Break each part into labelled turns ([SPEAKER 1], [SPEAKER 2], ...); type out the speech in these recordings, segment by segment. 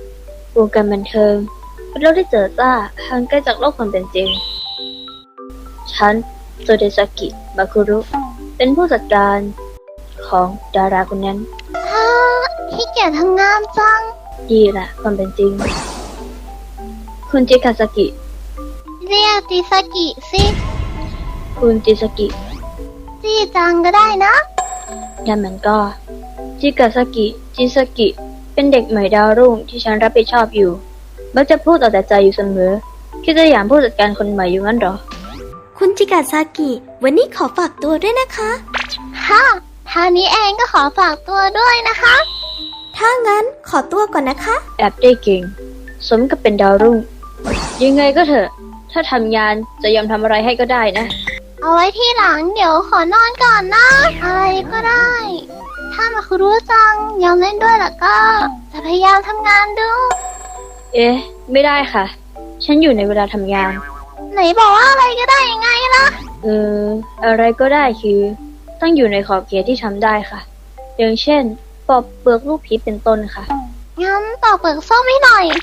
[SPEAKER 1] วงการบันเทิงเป็นโลกที่เจิดจ้าห่างไกลจากโลกความเป็นจริงฉันโซเดซากิ มาคุรุ เป็นผู้จัดการของดาราคนนั้น
[SPEAKER 2] ฮ่าขี้เกียจทำงานจัง
[SPEAKER 1] ดีแหละความเป็นจริงคุณจิคาซากิ
[SPEAKER 2] เรียกจิซากิสิ
[SPEAKER 1] คุณจิซากิ
[SPEAKER 2] จีจังก็ได้นะ
[SPEAKER 1] นั่นมันก็จิคาซากิจิซากิเป็นเด็กใหม่ดาวรุ่งที่ฉันรับผิดชอบอยู่มักจะพูดเอาแต่ใจอยู่เสมอคิดจะหยามผู้จัดการคนใหม่อยู่งั้นหรอ
[SPEAKER 3] คุณจิกาซากิวันนี้ขอฝากตัวด้วยนะคะ
[SPEAKER 2] ฮ่าท่านี้เองก็ขอฝากตัวด้วยนะคะ
[SPEAKER 3] ถ้างั้นขอตัวก่อนนะคะ
[SPEAKER 1] แอบได้เก่งสมกับเป็นดาวรุ่งยังไงก็เถอะถ้าทำงานจะยอมทำอะไรให้ก็ได้นะ
[SPEAKER 2] เอาไว้ที่หลังเดี๋ยวขอนอนก่อนนะอะไรก็ได้ถ้ามาคุรู้จังยอมเล่นด้วยล่ะก็จะพยายามทำงานดู
[SPEAKER 1] เอ๊ะไม่ได้ค่ะฉันอยู่ในเวลาทำงาน
[SPEAKER 2] ไหนบอกว่าอะไรก็ได้ยังไงล่ะ
[SPEAKER 1] อะไรก็ได้คือต้องอยู่ในขอบเขตที่ทำได้ค่ะอย่างเช่นปอกเปลือกลูกพีชเป็นต้นค่ะ
[SPEAKER 2] งั้นปอกเปลือกส้มให้หน่อย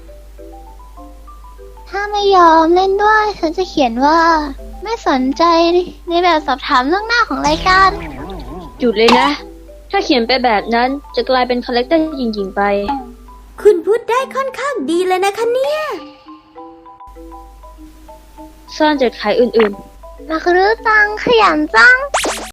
[SPEAKER 2] ถ้าไม่ยอมเล่นด้วยฉันจะเขียนว่าไม่สนใจในแบบสอบถามเรื่องหน้าของรายการ
[SPEAKER 1] หยุดเลยนะถ้าเขียนไปแบบนั้นจะกลายเป็นคาแรคเตอร์หญิงๆไป
[SPEAKER 3] คุณพูดได้ค่อนข้างดีเลยนะคะเนี่ย
[SPEAKER 1] ซ่อนจดขายอื่น
[SPEAKER 2] ๆมาคือจังขยันจัง